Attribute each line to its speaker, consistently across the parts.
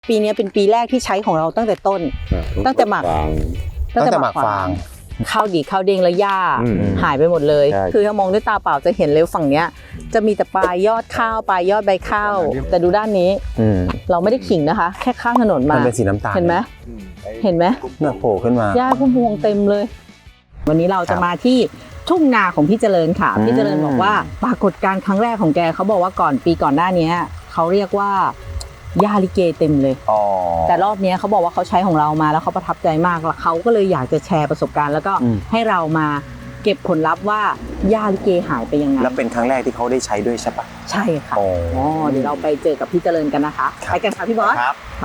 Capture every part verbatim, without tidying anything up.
Speaker 1: ปีนี้เป็นปีแรกที่ใช้ของเราตั้งแต่ต้นตั้งแต่หมัก
Speaker 2: ตั้งแต่หมักฟาง
Speaker 1: ข้าวดีข้าวเด้งและหญ้าหายไปหมดเลยคือถ้ามองด้วยตาเปล่าจะเห็นเลยฝั่งเนี้ยจะมีแต่ปลายยอดข้าวปลายยอดใบข้าวแต่ดูด้านนี้เราไม่ได้ขิงนะคะแค่ข้างถนนมา
Speaker 2: มันเป็นสีน้ำตาล
Speaker 1: เห็นไหมเห็นไหม
Speaker 2: เนี่ยโผล่ขึ้นมา
Speaker 1: หญ้าพุ่มพวงเต็มเลยวันนี้เราจะมาที่ทุ่งนาของพี่เจริญค่ะพี่เจริญบอกว่าปรากฏการณ์ครั้งแรกของแกเขาบอกว่าก่อนปีก่อนหน้านี้เขาเรียกว่าหญ้าลิเกเต็มเลยแต่รอบนี้เขาบอกว่าเขาใช้ของเรามาแล้วเขาประทับใจมากแล้วเขาก็เลยอยากจะแชร์ประสบการณ์แล้วก็ให้เรามาเก็บผลลัพธ์ว่าหญ้าลิเกหายไปยังไง
Speaker 2: แล้วเป็นครั้งแรกที่เขาได้ใช้ด้วยใช่ปะ
Speaker 1: ใช่ค่ะอ๋อเดี๋ยวเราไปเจอกับพี่เจริญกันนะคะไปกันค่ะพี่บอส
Speaker 2: ครับ
Speaker 1: ไป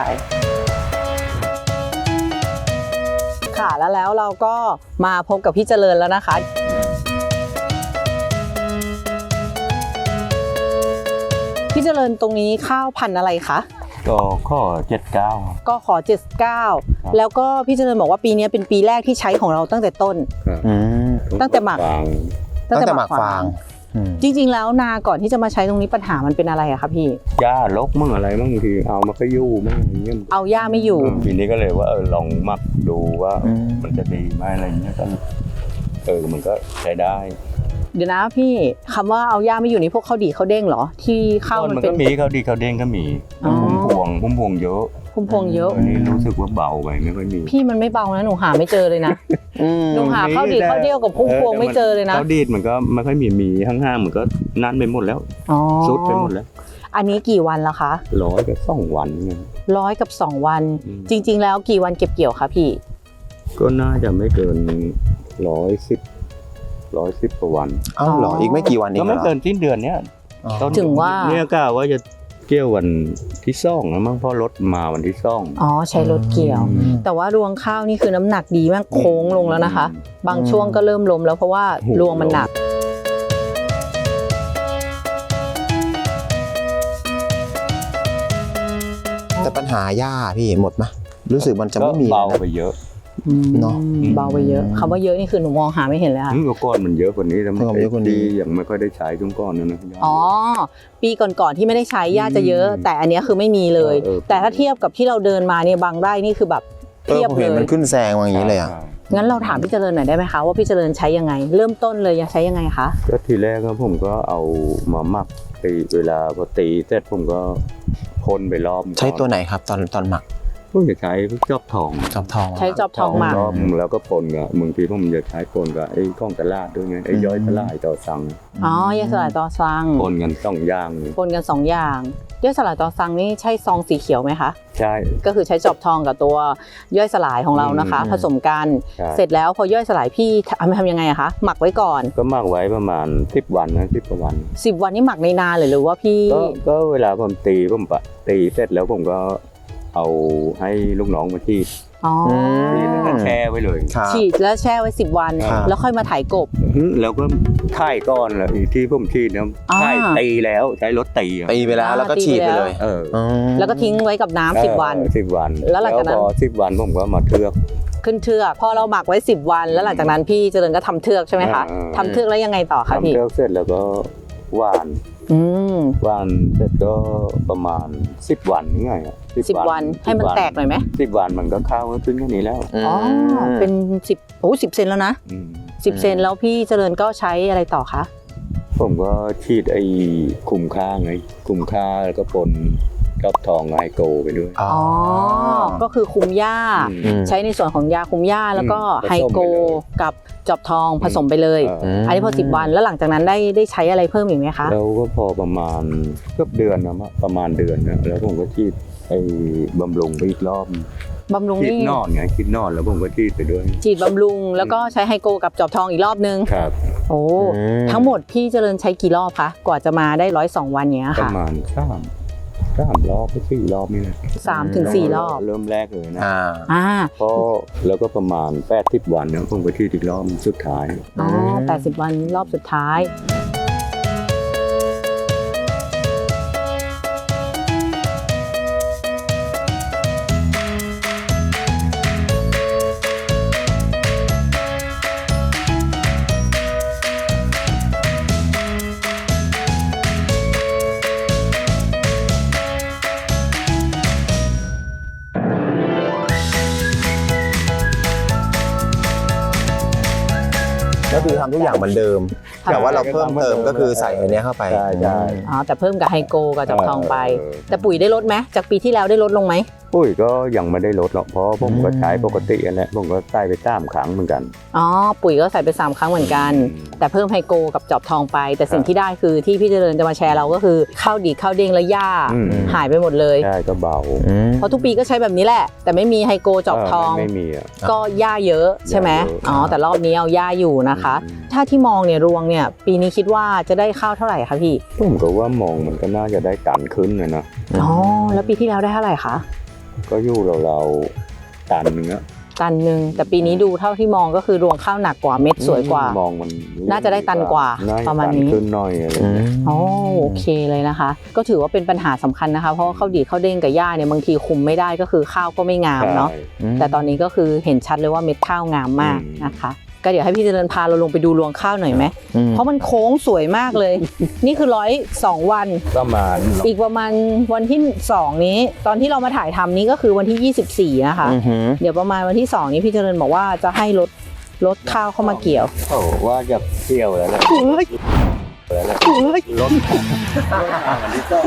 Speaker 1: ค่ะแล้วแล้วเราก็มาพบกับพี่เจริญแล้วนะคะพี่เจริญตรงนี้ข้าวพันธุ์อะไรคะ
Speaker 3: ก็ข้อเจ็ดเก้า
Speaker 1: ก็ขอเจ็ดเก้าแล้วก็พี่เจริญบอกว่าปีนี้เป็นปีแรกที่ใช้ของเราตั้งแต่ต้นตั้งแต่หมัก
Speaker 2: ตั้งแต่หมักฟาง
Speaker 1: จริงๆแล้วนาก่อนที่จะมาใช้ตรงนี้ปัญหามันเป็นอะไรอะคะพี่
Speaker 3: หญ้าลกมั่งอะไรมั่งทีเอามาก็ยู่มั่งอย่างเงี้ย
Speaker 1: เอาหญ้าไม่อยู่
Speaker 3: ทีนี้ก็เลยว่าเออลองหมักดูว่ามันจะดีไหมอะไรเงี้ยก็เออมันก็ใช้ได้
Speaker 1: เดี๋ยวนะพี่คำว่าเอาหญ้าไม่อยู่นี่พวกข้าวดีข้าวเด้งเหรอที่ข้าวมันเป็น
Speaker 3: ก็มีข้าวดีข้าวเด้งก็มีพุ่มพวงพุ่มพวงเยอะ
Speaker 1: พุ่มพวงเยอะ
Speaker 3: อันนี้รู้สึกว่าเบาไปไม่ค่อยมี
Speaker 1: พี่มันไม่เบานะหนูหาไม่เจอเลยนะหนูหาข้าวดีข้าวเดียวกับพุ่มพวงไม่เจอเลยนะ
Speaker 3: ข้าวดีมันก็ไม่ค่อยมีมีห้างๆมันก็นั่นไปหมดแล้วซุดไปหมดแล้ว
Speaker 1: อันนี้กี่วันแล้วคะ
Speaker 3: ร้อยกับสองวันไง
Speaker 1: ร้อยกับสองวันจริงๆแล้วกี่วันเก็บเกี่ยวคะพี่
Speaker 3: ก็น่าจะไม่เกินร้อยสิบร้อยสิบกว่าวัน
Speaker 2: อ้าวหรออีกไม่กี่วันเอง
Speaker 3: ก็ไม่เกินสิ้นเดือนเนี้ย
Speaker 1: ถึงว่า
Speaker 3: เนี่ยกะว่าจะเกี่ยววันที่ซ่องนะมั้งเพราะรถมาวันที่ซ่อง
Speaker 1: อ๋อใช้รถเกี่ยวแต่ว่ารวงข้าวนี่คือน้ำหนักดีมากโค้งลงแล้วนะคะบางช่วงก็เริ่มล้มแล้วเพราะว่ารวงมันหนัก
Speaker 2: แต่ปัญหาหญ้าพี่หมดไหมรู้สึกมันจะไม่มี
Speaker 3: เบาไปเยอะ
Speaker 1: เนาะเบาไปเยอะคำว่าเยอะนี่คือหนูมองหาไม่เห็นเลยค่ะ
Speaker 3: เมื่อก่อนมันเยอะกว่านี้แล้วมันเยอะกว่านี้อย่างไม่ค่อยได้ใช้ช่วงก่อนนะนะ
Speaker 1: อ๋อปีก่อนๆที่ไม่ได้ใช้หญ้าจะเยอะแต่อันนี้คือไม่มีเลยแต่ถ้าเทียบกับที่เราเดินมาเนี่ยบางไร่นี่คือแบบเทียบเลย
Speaker 2: มันขึ้นแซงอย่างนี้เลยอ่ะ
Speaker 1: งั้นเราถามพี่เจริญหน่อยได้ไหมคะว่าพี่เจริญใช้ยังไงเริ่มต้นเลยใช้ยังไงคะ
Speaker 3: ก็ทีแรกครับผมก็เอามาหมักตีเวลาพอตีเสร็จผมก็พ่นไปรอบ
Speaker 2: ใช้ตัวไหนครับตอนตอนหมัก
Speaker 3: พวกจะใช้จอบทอง
Speaker 2: จอบทอง
Speaker 1: ใช้จอบทองหมัก
Speaker 3: แล้วก็ปนกับบางทีผมจะใช้ปนกับไอ้ข้องตลาดด้วยไงไอ้ย้อยตลาดต่อสั่ง
Speaker 1: อ๋อย่อยสลายต่อสั่ง
Speaker 3: ปนกันสองอย่าง
Speaker 1: ปนกันสองอย่างย่อยสลายต่อสั่งนี่ใช่ซองสีเขียวไหมคะ
Speaker 3: ใช่
Speaker 1: ก็คือใช้จอบทองกับตัวย่อยสลายของเรานะคะผสมกันเสร็จแล้วพอย่อยสลายพี่ทำยังไงอะคะหมักไว้ก่อน
Speaker 3: ก็หมักไว้ประมาณสิบวันนะสิบวัน
Speaker 1: สิบวันนี่หมักในนาเลยหรือว่าพี่
Speaker 3: ก็ก็เวลาผมตีผมปะตีเสร็จแล้วผมก็เอาให้ลูกน้องมาฉีดฉีดแล้วก็แช่ไว้เลย
Speaker 1: ฉีดแล้วแช่ไว้สิบวันแล้วค่อยมาถ่ายกบ
Speaker 3: แล้วก็ถ่ายก้อนแล้วที่ผมฉีดเนี่ยถ่ายตีแล้วใช้รถตี
Speaker 2: ตีไปแล้วแล้วก็ฉีดไปเลย
Speaker 3: เออ
Speaker 1: แล้วก็ทิ้งไว้กับน้ำสิบวัน
Speaker 3: สิบวัน
Speaker 1: แล้วหลังจากนั้น
Speaker 3: พอสิบวันผมก็มาเทือก
Speaker 1: ขึ้นเทือกพอเราหมักไว้สิบวันแล้วหลังจากนั้นพี่เจริญก็ทำเทือกใช่ไหมคะทำเทือกแล้วยังไงต่อคะพี่
Speaker 3: ทำเทือกเสร็จแล้วก็หว่านหว่านเสร็จก็ประมาณสิบวันนี่ไง
Speaker 1: สิบวันให้มันแตกหน่อยไหม
Speaker 3: สิบวันมันก็เข้าขึ้นแค่นี้แล้ว
Speaker 1: อ๋อเป็นสิบโอ้สิบเซนแล้วนะสิบเซนแล้วพี่เจริญก็ใช้อะไรต่อคะ
Speaker 3: ผมก็ฉีดไอ้คุมค่าไงคุมค่าแล้วก็ปนจอบทองไฮโกไปด้วย
Speaker 1: อ๋อก็คือคุมหญ้าใช้ในส่วนของยาคุมหญ้าแล้วก็ไฮโกกับจอบทองผสมไปเลยอันนี้พอสิบวันแล้วหลังจากนั้นได้ได้ใช้อะไรเพิ่มอีกไหมคะ
Speaker 3: เราก็พอประมาณเกือบเดือนนะประมาณเดือนนะแล้วผมก็ฉีดไอ้บำรุงไปอีกรอบบ
Speaker 1: ำรุง
Speaker 3: ฉีดนอนไงฉีดนอนแล้วผมก็ฉีดไปด้วย
Speaker 1: ฉีดบำรุงแล้วก็ใช้ไฮโกกับจอบทองอีกรอบนึง
Speaker 3: ครับ
Speaker 1: โอ้ทั้งหมดพี่เจริญใช้กี่รอบคะกว่าจะมาได้ร้อยสองวันเนี้ยค่ะ
Speaker 3: ประมาณสามสามรอบไปสี่รอบนี่แหละ
Speaker 1: สามถึงสี่รอบ
Speaker 3: เริ่มแรกเลยนะ
Speaker 1: อ่า
Speaker 3: เพราะแล้วก็ประมาณแปดสิบวันนะผมก็ฉีดอีกรอบสุดท้าย
Speaker 1: อ๋อแปดสิบวันรอบสุดท้าย
Speaker 2: ก็คือทำทุกอย่างเหมือนเดิม แต่ว่าเราเพิ่มเติมก็คือใส่อันเนี้ยเข้าไป
Speaker 3: ใช่ใช่
Speaker 1: อ๋อแต่เพิ่มกับไฮโกกับจับทองไป แต่ปุ๋ยได้ลดไหมจากปีที่แล้วได้ลดลงไหม
Speaker 3: ปุ๋ยก็ยังไม่ได้ลดหรอกเพราะผมก็ใช้ปกติอันแหละผมก็ใส่ไปสามครั้งเหมือนกัน
Speaker 1: อ๋อปุ๋ยก็ใส่ไปสามครั้งเหมือนกัน แต่เพิ่มไฮโกกับจอบทองไป แต่สิ่งที่ได้คือที่พี่เจริญจะมาแชร์เราก็คือข้าวดีข้าวเด้งและหญ้า
Speaker 3: อืม
Speaker 1: หายไปหมดเลย
Speaker 3: ใช่ก็เบา
Speaker 1: เพราะทุกปีก็ใช้แบบนี้แหละ แต่ไม่มีไฮโกจอบทอง
Speaker 3: ไม่ไม่มีอ่ะ
Speaker 1: ก็หญ้าเยอะใช่ไหม
Speaker 3: หญ้าเยอะ
Speaker 1: อ๋อแต่รอบนี้เอาหญ้าอยู่นะคะ
Speaker 3: อืม
Speaker 1: ถ้าที่มองเนี่ยรวงเนี่ยปีนี้คิดว่าจะได้ข้าวเท่าไหร่คะพี่
Speaker 3: ผมก็ว่ามองมันก็น่าจะได้ตันขึ้นนะนะ
Speaker 1: อ๋อแล้วปีที่แล้วได้เท่าไหร่คะ
Speaker 3: ก็อยู่เราเราๆตันเนื้อ
Speaker 1: ตันหนึ่งแต่ปีนี้ดูเท่าที่มองก็คือรวงข้าวหนักกว่าเม็ดสวยกว่า
Speaker 3: มองมัน
Speaker 1: น่าจะได้ตันกว่า
Speaker 3: น่จ
Speaker 1: ประมาณนี้
Speaker 3: ตัขึ้นหน่อยอะไรอย่างเงี้ย
Speaker 1: อ๋อโอเคเลยนะคะ ก็ถือว่าเป็นปัญหาสำคัญนะคะเพราะว่าข้าวดีข้าวเด้งกับหญ้าเนี่ยบางทีคุมไม่ได้ก็คือข้าวก็ไม่งามเนาะ
Speaker 3: ใช่
Speaker 1: แต่ตอนนี้ก็คือเห็นชัดเลยว่าเม็ดข้าวงามมาก
Speaker 3: อืม
Speaker 1: นะคะ ก็เดี๋ยวให้พี่เจริญพาเราลงไปดูรวงข้าวหน่อยไหมเพราะมันโค้งสวยมากเลย นี่คือร้อยสองวัน
Speaker 3: ประมาณ
Speaker 1: อีกประมาณวันที่สองนี้ ตอนที่เรามาถ่ายทำนี้ก็คือวันที่ยี่สิบสี่นะคะ เดี๋ยวประมาณวันที่สองนี้พี่เจริญบอกว่าจะให้รถรถข้าวเข้ามาเกี่ยว
Speaker 3: โอ้ว่าจะเที่ยวแล้วแหละ
Speaker 1: เฮ้ย
Speaker 3: แล้วแหละ
Speaker 1: เฮ้ย
Speaker 3: รถมันที่ก็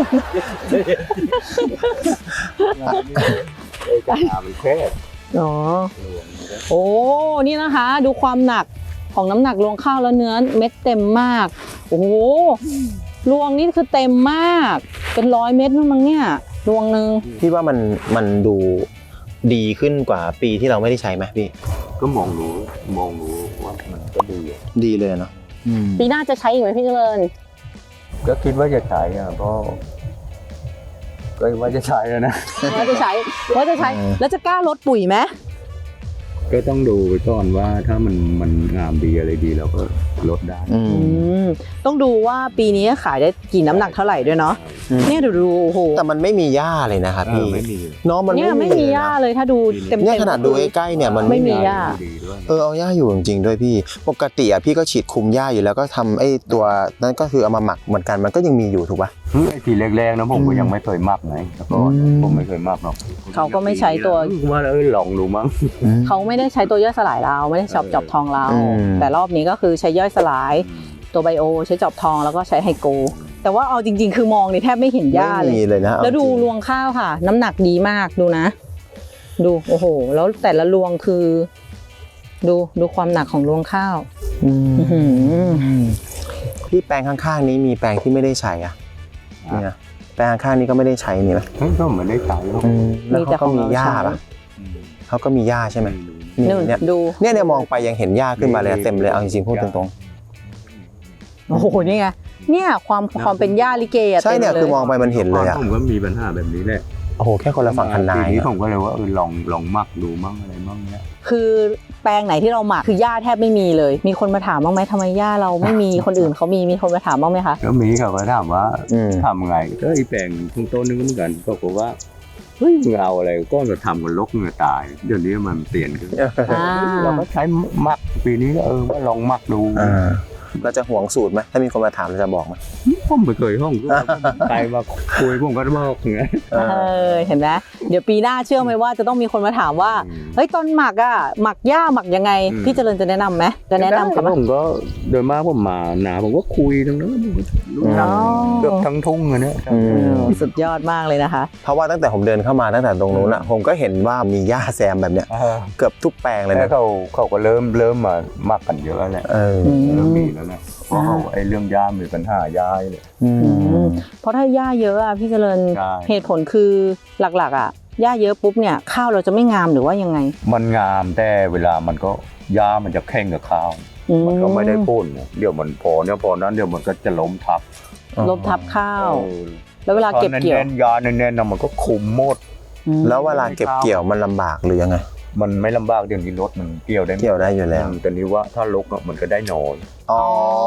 Speaker 3: จะหามันแคบ
Speaker 1: อ๋อ โอ้ นี่นะคะ ดูความหนักของน้ำหนักรวงข้าวแล้วเนื้อเม็ดเต็มมาก โอ้โหรวงนี่คือเต็มมาก เป็นร้อยเม็ดนู่นมั้งเนี่ยรวงหนึ่ง
Speaker 2: พี่ว่ามันมันดูดีขึ้นกว่าปีที่เราไม่ได้ใช้ไหมพี่
Speaker 3: ก็มองรู้มองรู้ว่ามันก็ดีอะ
Speaker 2: ดีเลยเนาะ
Speaker 1: ปีหน้าจะใช้อีกไหมพี่เจริญ
Speaker 3: ก็คิดว่าจะใช้อ่ะเพราะก็ว่าจะใช้แล้วนะ
Speaker 1: ว่าจะใช้ว่าจะใช้ แล้วจะกล้าลดปุ๋ยไหม
Speaker 3: ก็ต้องดูไปก่อนว่าถ้ามันมันงามดีอะไรดีเราก็ลดได้
Speaker 2: อื
Speaker 1: อื
Speaker 2: ม
Speaker 1: มต้องดูว่าปีนี้ขายได้กี่น้ำหนักเท่าไหร่ด้วยเนาะ
Speaker 2: อืม
Speaker 1: เนี่ยดูดูโอ้โห
Speaker 2: แต่มันไม่มีหญ้าเลยนะครับ
Speaker 3: เอ
Speaker 2: พี่
Speaker 3: อไม่มี
Speaker 2: เนาะมัน
Speaker 1: เนี่ยไม่มีหญ้าเลยถ้าดูเต็มๆ
Speaker 2: เนี่ยขนาดดูใกล้ๆเนี่ยมัน
Speaker 1: ไม่มีหญ้า
Speaker 3: ดีด้วย
Speaker 2: เออเอาหญ้าอยู่จริงๆด้วยพี่ ปกติอ่ะพี่ก็ฉีดคุมหญ้าอยู่แล้วก็ทำไอ้ตัวนั้นก็คือเอามาหมักเหมือนกันมันก็ยังมีอยู่ถูกป่ะ
Speaker 3: ไอ้ทีแรกๆนะผมก็ยังไม่เคยมักไงแต่ก่อน
Speaker 2: อืม
Speaker 3: ผมไม่เคยมักหรอก
Speaker 1: เขาก็ไม่ใช้ตัว
Speaker 3: ว่าเออลองดูมั้ง
Speaker 1: เขาไม่ได้ใช้ตัวย่อยสลายเราไม่ได้ชอบจอบทองเรา
Speaker 2: อืม
Speaker 1: แต่รอบนี้ก็คือใช้ย่อยสลายตัวไบโอใช้จอบทองแล้วก็ใช้ไฮโก แต่ว่าเอาจริงๆ คือมองนี่แทบไม่เห็นหญ้าเล
Speaker 2: ไม่
Speaker 1: ย
Speaker 2: มีเลยนะเอา
Speaker 1: แล้วดู
Speaker 2: จริง
Speaker 1: รวงข้าวค่ะ น้ำหนักดีมากดูนะ ดูโอ้โห แล้วแต่ละรวงคือ ดูดูความหนักของรวงข้าว
Speaker 2: อืม
Speaker 1: อื้อหือ
Speaker 2: พี่แปลงข้างๆนี้มีแปลงที่ไม่ได้ใช้อ่ะเนี่ยแปลงข้างๆนี้ก็ไม่ได้ใช้นี่ไหม
Speaker 3: เฮ้ยก็เหมือนได้ใช้หรอก
Speaker 2: อืมแล้วเขาก็มีหญ้า
Speaker 1: มีแต่ของเรา
Speaker 2: ป่ะเขาก็มีหญ้าใช่ไหม
Speaker 1: นู่น
Speaker 2: เนี่ย
Speaker 1: ดู
Speaker 2: เนี่ยเนี่ยมองไปยังเห็นหญ้าขึ้นมาเลยเต็มเลยเอาจริงๆพูดตรง
Speaker 1: โอ้โหนี่ไงเนี่ยความความเป็นหญ้าลิเกอะ
Speaker 2: ๆใช่เนี่ย
Speaker 1: ต็ล
Speaker 2: คือมองไปมันเห็นเลยอ่ะ
Speaker 3: ผมก็มีปัญหาแบบนี้แหละ
Speaker 2: โอ้โหแค่คนละฝั่งคันนา
Speaker 3: ที
Speaker 2: ย
Speaker 3: นี้
Speaker 2: อะ
Speaker 3: ผมก็เลยว่าเออลองลองมักดูมั่งอะไรมั่งเนี้ย
Speaker 1: คือแปลงไหนที่เราหมักคือหญ้าแทบไม่มีเลย มีคนมาถามบ้างไหมทำไมหญ้าเราไม่มี คนอื่นเขามีมีคนมาถามบ้างไหมคะ
Speaker 3: แล้วมีเขาก็ถามว่า
Speaker 2: อืม
Speaker 3: ทำไงก็ไอ้แปลงทุ่งต้นนึงก็เหมือนกันก็บอกว่าเฮ้ยมึงเอาอะไรก็จะทำกันลกเงือตาย เดี๋ยวนี้มันเปลี่ยนขึ้น
Speaker 1: อ่า
Speaker 3: เราก็ใช้มักปีนี้ก็เออว่าลองมักดู
Speaker 2: อ่าเราจะห่วงสูตรไหมถ้ามีคนมาถามเราจะบอกไหม
Speaker 3: ผมไม่เคยห้องใครมาคุยผมก็บอกอย่างเงี้ย
Speaker 2: เอ
Speaker 1: เอ
Speaker 2: อ
Speaker 1: อเห็นไหมเดี๋ยวปีหน้าเชื่อไหมว่าจะต้องมีคนมาถามว่า
Speaker 3: อืม
Speaker 1: เฮ้ยตอนหมักอะหมักหญ้าหมักยังไง
Speaker 3: อืม
Speaker 1: พี่เจริญจะแนะนำไหมจะแนะนำ
Speaker 3: แต่
Speaker 1: กับ
Speaker 3: ผมก็โดยมากผมมาหนาผมก็คุยทั้งนั้นผมก็รู้
Speaker 2: อ๋
Speaker 3: จัก
Speaker 2: อ
Speaker 3: เกือบทั้งทุ่งเลยเนี่ย
Speaker 2: อืม
Speaker 1: สุดยอดมากเลยนะคะ
Speaker 2: เพราะว่าตั้งแต่ผมเดินเข้ามาตั้งแต่ตรงนู้นอ่ะผมก็เห็นว่ามีหญ้าแซมแบบเนี้ยเกือบทุกแปลงเลย
Speaker 3: แล้
Speaker 2: นะ
Speaker 3: วเขาเขาก็เริ่มเริ่มมามักกันเยอะแล้วแหละ
Speaker 2: เออ
Speaker 1: อืม
Speaker 3: เริ่มมีแล้วแหละเพราะเขาไอ้เรื่องย่ามีปัญหาย่าเลย
Speaker 2: อืม
Speaker 1: เพราะถ้าหญ้าเยอะอะพี่เจริญ
Speaker 3: ใช่
Speaker 1: เหตุผลคือหลักๆอะหญ้าเยอะปุ๊บเนี่ยข้าวเราจะไม่งามหรือว่ายังไง
Speaker 3: มันงามแต่เวลามันก็ย่ามันจะแข่งกับข้าว
Speaker 1: อื
Speaker 3: มันก็ไม่ได้พ่นนะเดี๋ยวมันพอเนี่ยพอนั้นเดี๋ยวมันก็จะล้มทับ
Speaker 1: ลบทับข้าว
Speaker 3: เออ
Speaker 1: แล้วเวลาเก็บเกี่ยว
Speaker 3: แน่นๆยาแน่นๆนะมันก็คุมหมด
Speaker 1: อืม
Speaker 2: แล้วเวลาเก็บเกี่ยวมันลำบากหรือยังไง
Speaker 3: มันไม่ลำบากเดี๋ยวนี้รถมันเกี่ยวได้
Speaker 2: เกี่ยวได้อยู่แล้ว
Speaker 3: แต่นี้ว่าถ้าลกอะมันก็ได้น้อย
Speaker 2: อ๋อ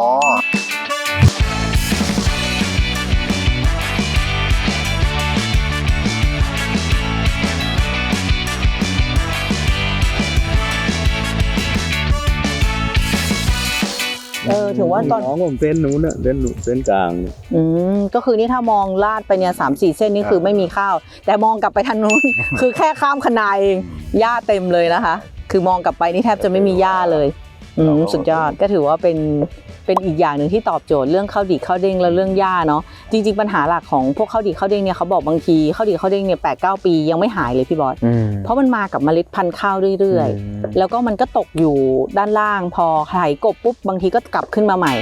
Speaker 1: เออถือว่าตอน
Speaker 3: น้องผมเส้นนู้นน่ะเส้นนู้นเส้นกลางเนี่ย
Speaker 1: อืมก็คือนี่ถ้ามองลาดไปเนี่ยสามสี่เส้นนี่คือไม่มีข้าว แต่มองกลับไปทางนู้น คือแค่ข้ามคะนาเองหญ้าเต็มเลยนะคะ คือมองกลับไปนี่แทบจะไม่มีหญ้าเลยอืมสุดยอดก็ถือว่าเป็นเป็นอีกอย่างหนึ่งที่ตอบโจทย์เรื่องข้าวดีข้าวเด้งและเรื่องหญ้าเนาะจริงๆปัญหาหลักของพวกข้าวดีข้าวเด้งเนี่ยเขาบอกบางทีข้าวดีข้าวเด้งเนี่ยแปดเก้าปียังไม่หายเลยพี่บอส
Speaker 2: อืม
Speaker 1: เพราะมันมากับเมล็ดพันธุ์ข้าวเรื่อยๆแล้วก็มันก็ตกอยู่ด้านล่างพอไถกบปุ๊บบางทีก็กลับขึ้นมาใหม่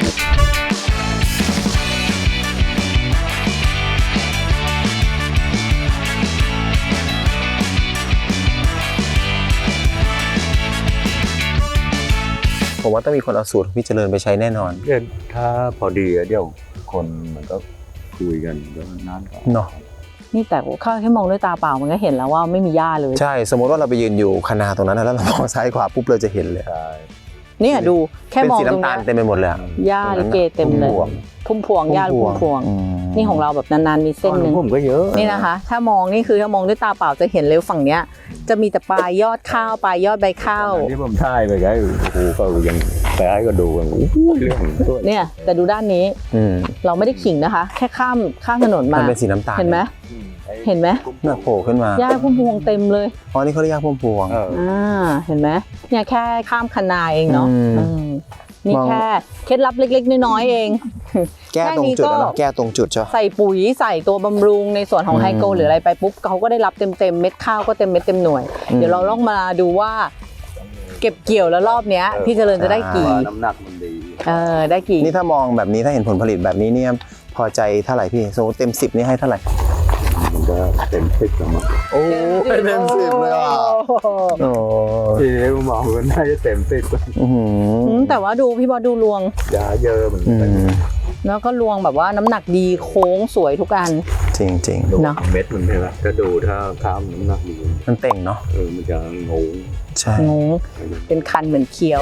Speaker 2: ผมว่าต้องมีคนเอาสูตรพี่เจริญไปใช้แน่นอน
Speaker 3: เดี๋ยวถ้าพอดีอะเดี๋ยวคนมันก็คุยกันก็นั่นก็
Speaker 2: เนาะ
Speaker 1: นี่แต่ข้าวแค่มองด้วยตาเปล่ามันก็เห็นแล้วว่าไม่มีหญ้าเลย
Speaker 2: ใช่สมมติว่าเราไปยืนอยู่คณาตรงนั้นนะแล้วเรามองซ้ายขวาปุ๊บเราจะเห็นเลย
Speaker 3: ใช่
Speaker 1: เนี่ยดูแค่
Speaker 2: เป็น
Speaker 1: มอง
Speaker 2: สี
Speaker 1: ตรง
Speaker 2: น้ำตา
Speaker 1: นี้
Speaker 2: ลเต็มไปหมดเลยอะ
Speaker 1: หญ้าลิเกเต็มเลยพุ่มพวงหญ้าพุ่มพวง
Speaker 2: อืม
Speaker 1: นี่ของเราแบบนานๆมีเส้นหนึ่ง
Speaker 3: ผมก็เยอะ
Speaker 1: นี่นะคะ ถ้ามองนี่คือถ้ามองด้วยตาเปล่าจะเห็นเลยฝั่งเนี้ยจะมีแต่ปลายยอดข้าวปลายยอดใบข้าว
Speaker 3: ที่ผมถ่ายไปไงโอ้โหก็ยังแต่ให้ก็ดูกันโอ้โหเรื่องด้วย
Speaker 1: เนี่ยแต่ดูด้านนี้
Speaker 2: อืม
Speaker 1: เราไม่ได้ขิงนะคะ แค่ข้ามข้ามถนน
Speaker 2: มั
Speaker 1: มาน
Speaker 2: เป็นสีน้ำตาล
Speaker 1: เห็นไหมเห็นไหม
Speaker 2: น่าโผล่ขึ้นมา
Speaker 1: หญ้าพุ่มพวงเต็มเลย
Speaker 2: อ๋อนี่เขาเรียกพุ่มพวง
Speaker 3: เออ
Speaker 1: อ่าเห็นไหมเนี่ยแค่ข้ามคันนาเองเนาะ
Speaker 2: อืม
Speaker 1: อืมนี่
Speaker 2: มอง
Speaker 1: แค่เคล็ดลับเล็กๆน้อยๆเอง
Speaker 2: แก้ตรงจุดแล้วเนาะแก้ตรงจุดจ้ะ
Speaker 1: ใส่ปุ๋ยใส่ตัวบำรุงในส่วนของ
Speaker 2: อืม
Speaker 1: ไฮโกหรืออะไรไปปุ๊บเขาก็ได้รับเต็มๆเม็ดข้าวก็เต็มเม็ดเต็มหน่วย
Speaker 2: อืม
Speaker 1: เดี๋ยวเราลองมาดูว่า เก็บเกี่ยวแล้วรอบเนี้ยพี่เจริญจะได้กี่
Speaker 3: น้ำหนักมันดี
Speaker 1: เออได้กี่
Speaker 2: นี่ถ้ามองแบบนี้ถ้าเห็นผลผลิตแบบนี้เนี่ยพอใจเท่าไหร่พี่สมมติเต็มสิบนี่ให้เท่าไหร่
Speaker 3: มันก็เต็มสิบแล้วมั้ง
Speaker 2: โอ้เต็มสิบเลยอ่ะโอ้
Speaker 3: ที่มองมันน่าจะเต็มสิบ
Speaker 2: อื้อหื
Speaker 1: อื
Speaker 2: อ
Speaker 1: มแต่ว่าดูพี่บอสดูรวง
Speaker 3: ยาเยอะเหมือน
Speaker 2: อื
Speaker 3: กัน
Speaker 2: ม
Speaker 1: แล้วก็รวงแบบว่าน้ำหนักดีโค้งสวยทุกอัน
Speaker 2: จริงจริง
Speaker 3: ดู
Speaker 1: เนอะ
Speaker 3: เม็ดมันใช่ไหมถ้าดูถ้าข้ามน้ำหนักดี
Speaker 2: ๆมันเต่งเนาะ
Speaker 3: เออมันจะงง
Speaker 2: ใช่
Speaker 1: งงเป็นคันเหมือนเคี้ยว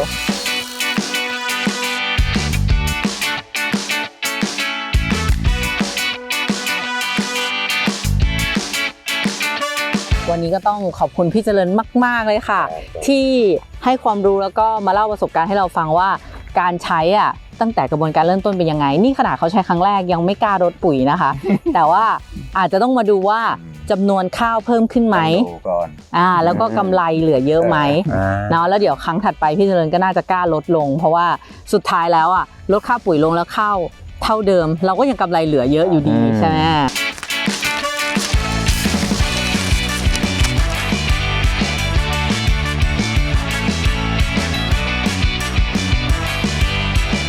Speaker 1: วันนี้ก็ต้องขอบคุณพี่เจริญมากๆเลยค่ะ ที่ให้ความรู้แล้วก็มาเล่าประสบการณ์ให้เราฟังว่าการใช้อ่ะตั้งแต่กระบวนการเริ่มต้นเป็นยังไงนี่ขนาดเขาใช้ครั้งแรกยังไม่กล้ารดปุ๋ยนะคะ แต่ว่าอาจจะต้องมาดูว่าจำนวนข้าวเพิ่มขึ้นไหม
Speaker 3: ดูก่อน
Speaker 1: อ่าแล้วก็กำไรเหลือเยอะไหม
Speaker 2: อ่า
Speaker 1: เนาะแล้วเดี๋ยวครั้งถัดไปพี่เจริญก็น่าจะกล้าลดลง เพราะว่าสุดท้ายแล้วอ่ะลดค่าปุ๋ยลงแล้วข้าวเท่าเดิม เราก็ยังกำไรเหลือเยอะอยู่ดีใช่ไหม